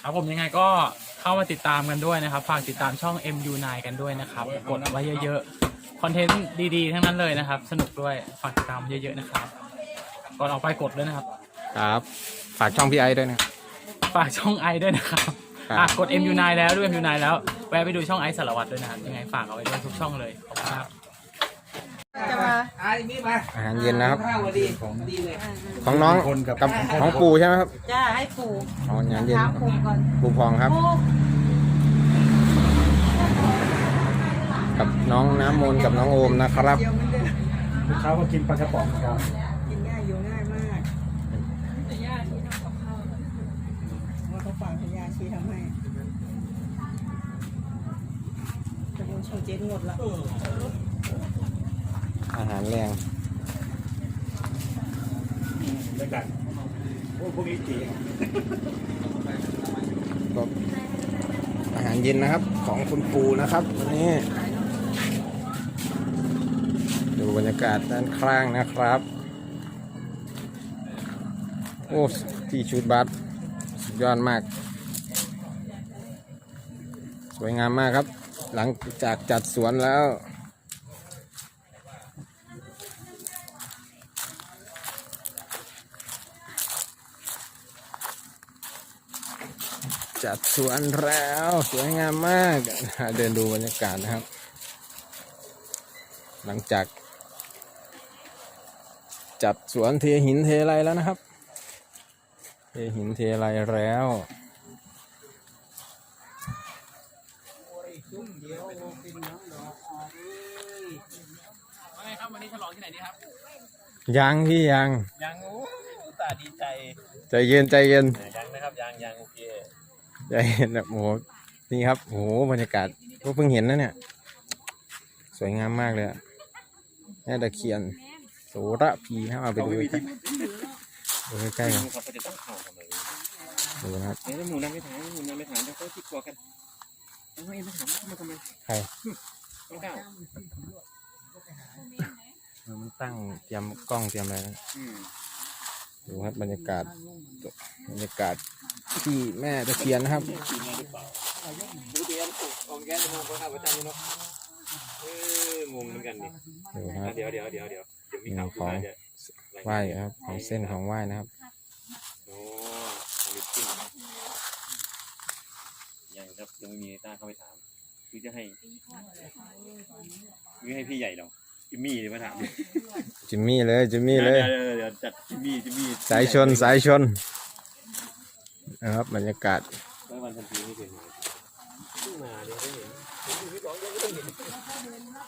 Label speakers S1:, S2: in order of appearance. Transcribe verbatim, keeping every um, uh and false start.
S1: ครับผมยังไงก็เข้ามาติดตามกันด้วยนะครับฝากติดตามช่อง เอ็ม ยู ไนน์ กันด้วยนะครับกดไว้เยอะๆคอนเทนต์ดีๆทั้งนั้นเลยนะครับสนุกด้วยฝากติดตามเยอะๆนะครับก่อนออกไปกดด้วยนะครับ
S2: ครับฝากช่องพี่ไอด้วยนะ
S1: ฝากช่องไอด้วยนะครับ
S2: ครับ
S1: อ่ะกด เอ็ม ยู ไนน์ แล้วด้วย เอ็ม ยู ไนน์ แล้วแวะไปดูช่องไอสารวัตรด้วยนะครับยังไงฝากเอาไว้ด้วยทุกช่องเลยขอบคุณครับ
S3: จะมา
S2: อาหารเย็นนะครับ
S4: ข้าวดีดีเลย
S2: ของน้องกับของปู่ใช่ไหมครับ
S3: จะให้ปู่
S2: อ๋ออาหารเย็น
S3: ถามปู่ก่อน
S2: ปู่พองครับ
S3: ปู่
S2: กับน้องน้ำมนต์กับน้องโอมนะครับ
S4: ลูกค้าก็กินปลากระป๋องครับ
S3: กินง่ายอยู่ง่ายมากว่าเขาฝากพยาชีทำให้จะโดนชงเจ๊งหมดละ
S2: อาหารแรง
S4: ด้วยกันพวกพวกนี้จี
S2: ก็อาหารเย็นนะครับของคุณปู่นะครับวันนี้ดูบรรยากาศด้านข้างนะครับโอ้ที่ชุดบัสสุดยอดมากสวยงามมากครับหลังจากจัดสวนแล้วจัดสวนแล้วสวยงามมากเดินดูบรรยากาศนะครับหลังจากจัดสวนเทหินเทอะไรแล้วนะครับเทหินเทอะไรแล้ว
S1: วันนี้ฉลองที่ไหนดีครับ
S2: ยังพี่ยัง
S1: ยังโอ้ตาดีใจ
S2: ใจเย็นใจเย็น
S1: ยังนะครับยังยังโอเค
S2: ใจเย็นแบบโอ้โหนี่ครับโอ้โหบรรยากาศก็เพิ่งเห็นนะเนี่ยสวยงามมากเลยอะแม่ตะเคียนโสระพีนะครับเอาไปดูใกล้ดูใกล้ๆกัน
S1: เขาจะต้องเข่าทำไม
S2: ดูนะครับ
S1: เดี๋ยวหมูนั่งไม่ถามหมูนั่งไม่ถามเดี๋ยวเขาที่กลัวกันเอาเอ็มไม่ถามมาทำไม
S2: ใคร
S1: ต้องก้าว
S2: เออมันตั้งเตรียมกล้องเตรียมอะไรนะ
S1: อืม
S2: ดูครับบรรยากาศบรรยากาศที่แม่ตะเคียนนะครับ
S1: ดูเดี๋ยวของแกจะมองเขาทำประจำเนาะเอองงเหมือนกันดิ
S2: ดูครับ
S1: เดี๋ยวเดี๋ยวเดี๋ยวเดี๋ยวเดี๋ยวมี
S2: หนึ่
S1: ข่าว
S2: ง
S1: ขึ้
S2: ข
S1: น
S2: อง
S1: มาจะ
S2: ไหว้ครับของเส้นของไหว้นะครับ
S1: โอ้ลิปปิ้งยังครับยังไม่มีต้าเข้าไปถามคือจะให้คือให้พี่ใหญ่เราจิมมี่เลยมาถามดิ
S2: จิมมี่เลยจิมมี่เลย
S1: เดี๋ยวเดี๋ยวจัดจิมมี่จิมมี่
S2: สายชนสายชนนะครับบรรยากาศ
S1: แล้ววันทันทีไม่เป็นไรมาเดี๋ยวได้เห็นพี่ร้องยังไม่ต้องเห็น